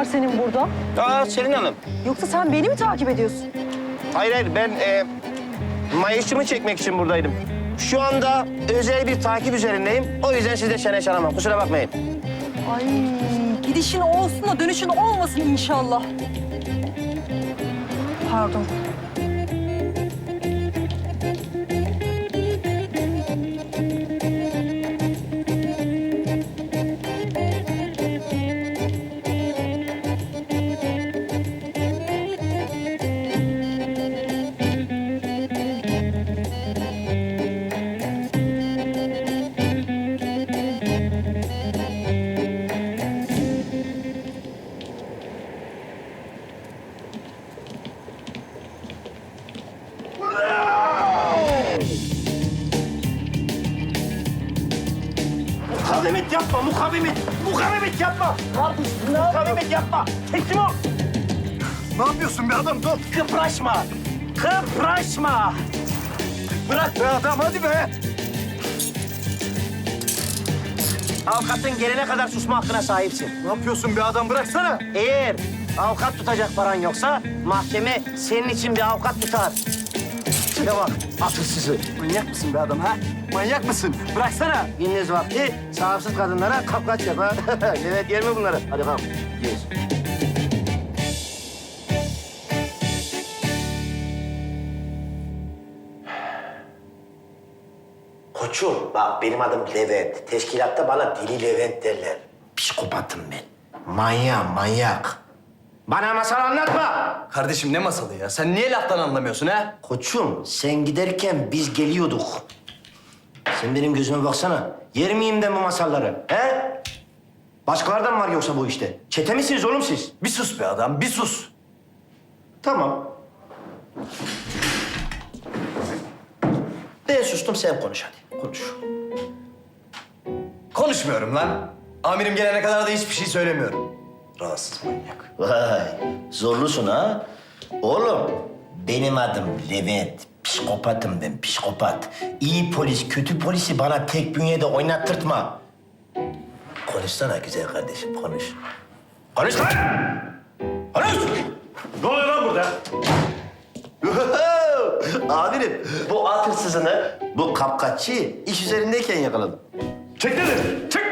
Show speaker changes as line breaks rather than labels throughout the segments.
senin burada?
Selin Hanım.
Yoksa sen beni mi takip ediyorsun?
Hayır, ben mayışımı çekmek için buradaydım. Şu anda özel bir takip üzerindeyim. O yüzden siz de çene çalamam. Kusura bakmayın.
Ay gidişin olsun da dönüşün olmasın inşallah. Pardon.
Mukavemet yapma, mukavemet yapma. Mukavemet yapma. Teslim ol.
Ne yapıyorsun be adam? Dur.
Kıpraşma.
Bırak be adam, hadi be.
Avukatın gelene kadar susma hakkına sahipsin.
Ne yapıyorsun be adam? Bıraksana.
Eğer avukat tutacak paran yoksa mahkeme senin için bir avukat tutar. Şuna bak, akılsızı.
Manyak mısın be adam ha? Manyak mısın? Bıraksana.
Gündüz vakti sahipsiz kadınlara kapkaç yap ha. Evet, yer mi bunları? Hadi kalk. Yiyiz. Koçum, bak benim adım Levent. Teşkilatta bana Deli Levent derler. Psikopatım ben. Manyak. Bana masal anlatma.
Kardeşim ne masalı ya? Sen niye laftan anlamıyorsun ha?
Koçum, sen giderken biz geliyorduk. Sen benim gözüme baksana. Yer miyim ben bu masalları? He? Başkalardan mı var yoksa bu işte? Çete misiniz oğlum siz?
Bir sus be adam, bir sus.
Tamam. Ben sustum, sen konuş hadi. Konuş.
Konuşmuyorum lan. Amirim gelene kadar da hiçbir şey söylemiyorum. Rahatsız manyak.
Vay, zorlusun ha. Oğlum, benim adım Levent. Psikopatım ben, psikopat. İyi polis, kötü polisi bana tek bünyede oynattırtma. Konuşsana güzel kardeşim, konuş. Konuş lan! Konuş!
Ne oluyor lan burada?
Amirim, bu at hırsızını, bu kapkaççıyı iş üzerindeyken yakaladım.
Çek dedim, çek.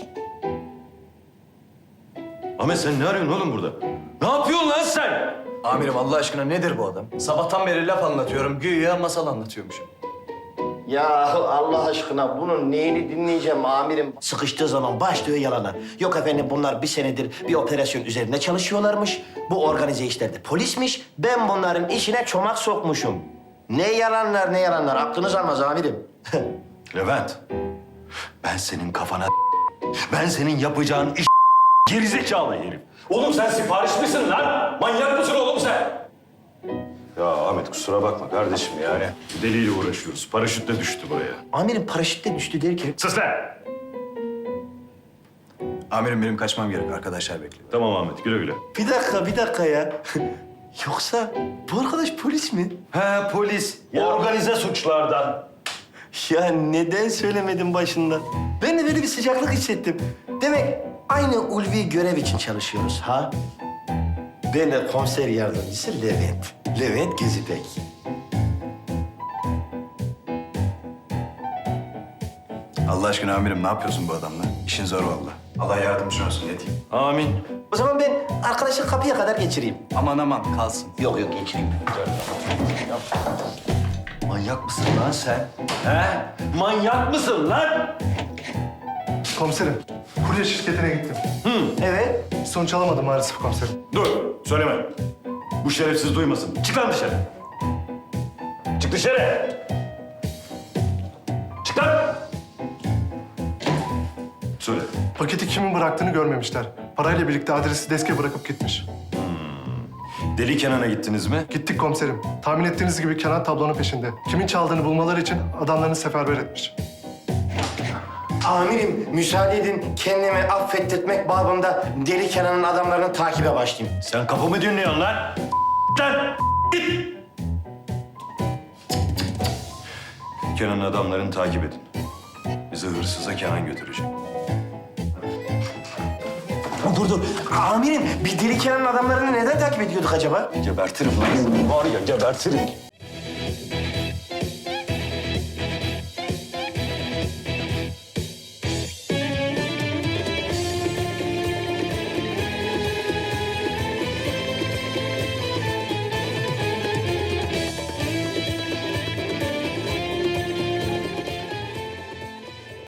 Ahmet sen ne arıyorsun oğlum burada? Ne yapıyorsun lan sen?
Amirim Allah aşkına nedir bu adam? Sabahtan beri laf anlatıyorum, güya masal anlatıyormuşum.
Ya Allah aşkına bunun neyini dinleyeceğim amirim? Sıkıştığı zaman başlıyor yalana. Yok efendim bunlar bir senedir bir operasyon üzerinde çalışıyorlarmış. Bu organize işlerde polismiş. Ben bunların işine çomak sokmuşum. Ne yalanlar aklınız almaz amirim.
Levent, ben senin kafana ben senin yapacağın iş gerizekalı herif.
Oğlum sen sipariş misin lan? Manyak mısın oğlum sen?
Ya Ahmet kusura bakma kardeşim yani. Deliyle uğraşıyoruz. Paraşütle düştü buraya.
Amirim paraşütle düştü derken...
Sus lan!
Amirim benim kaçmam gerek, arkadaşlar bekliyor.
Tamam Ahmet güle güle.
Bir dakika ya. Yoksa bu arkadaş polis mi?
He polis.
Organize suçlardan.
Ya neden söylemedin başından? Ben de böyle bir sıcaklık hissettim. Demek aynı ulvi görev için çalışıyoruz ha? Ben de komiser yardımcısı Levent. Levent Gezipek.
Allah aşkına amirim ne yapıyorsun bu adamla? İşin zor vallahi. Allah yardımcın olsun ne diyeyim.
Amin.
O zaman ben arkadaşı kapıya kadar geçireyim.
Aman aman kalsın.
Yok geçireyim.
Manyak mısın lan sen? He? Manyak mısın lan?
Komiserim, kurye şirketine gittim.
Evet.
Sonuç alamadım maalesef komiserim.
Dur söyleme. Bu şerefsiz duymasın. Çık lan dışarı. Çık dışarı. Çık lan. Söyle.
Paketi kimin bıraktığını görmemişler. Parayla birlikte adresi deske bırakıp gitmiş.
Deli Kenan'a gittiniz mi?
Gittik komiserim. Tahmin ettiğiniz gibi Kenan tablonun peşinde. Kimin çaldığını bulmaları için adamlarını seferber etmiş.
Amirim müsaade edin kendimi affettirmek babında Deli Kenan'ın adamlarını takibe başlayayım.
Sen kafamı dinliyorsun lan. Lan. Git. Kenan'ın adamlarını takip edin. Bizi hırsıza Kenan götürecek.
Dur. Amirim, bir Deli Kenan'ın adamlarını neden takip ediyorduk acaba?
Gebertirim lan. Var ya gebertirim.